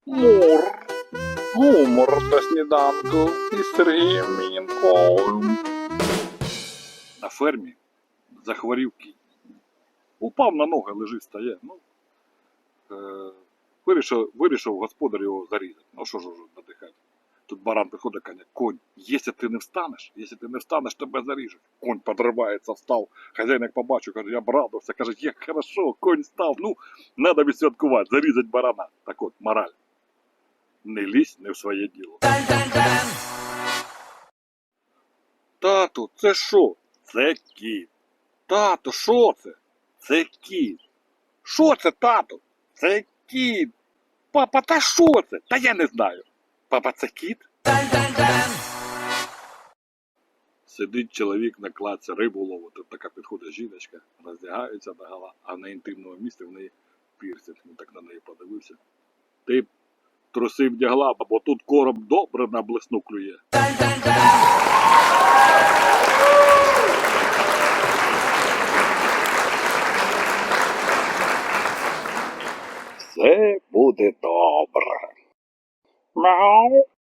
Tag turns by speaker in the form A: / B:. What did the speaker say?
A: Мур. Гумор на сніданку із Сергієм Мінковим. На фермі захворів кінь. Упав на ноги, лежить, стає. Вирішив господар його зарізати. Ну що ж надихати. Тут баран приходить, каже: конь, якщо ти не встанеш, тебе заріжуть. Конь подривається, встав. Хазяїн як побачив, каже: я б радувався. Каже: як хорошо, конь став. Треба відсвяткувати, зарізати барана. Так от, мораль. Не лізь не в своє діло. Тату, це що? Це кіт. Тато, що це? Це кіт. Що це, тату? Це кіт. Папа, та що це? Та я не знаю. Папа, це кіт? Сидить чоловік на кладці, рибу ловить. Тут така підходить жіночка, роздягається догола, а на інтимному місці в неї пірсинг. Він так на неї подивився. Ти б труси вдягла, бо тут короб добре на блесну клює. Все буде добре. Мяу.